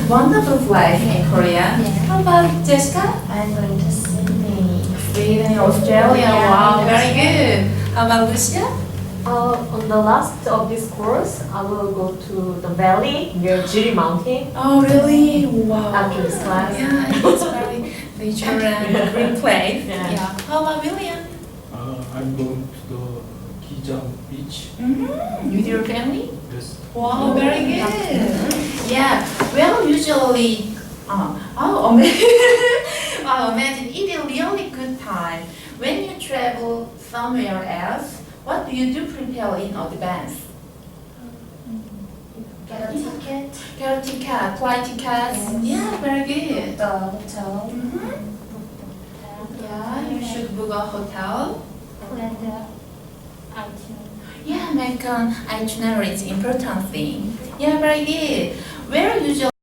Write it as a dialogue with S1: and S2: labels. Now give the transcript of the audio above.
S1: wonderful place in Korea.
S2: Yeah.
S1: How about Jessica?
S2: I'm going to Sydney.
S1: Sweden, Australia.
S2: Yeah.
S1: Wow, very good. How about Lucia?
S3: On the last of this course, I will go to the valley near Jiri Mountain
S1: Oh, really? Wow.
S3: after this class.
S1: Yeah, it's very nature and green place.
S3: Yeah.
S1: How about William?
S4: I'm going to the Gijang beach.
S1: With your family?
S4: Yes.
S1: Wow, very good. Yeah, well, usually, imagine it's a really good time. When you travel somewhere else, what do you do prepare in advance?
S2: Get a ticket.
S1: Get a ticket, flight tickets.
S2: Yes.
S1: Yeah, very good.
S2: The hotel.
S1: Yeah, you should book a hotel.
S2: Plan the itinerary.
S1: Yeah, make an itinerary is important thing. Yeah, very good. Where usually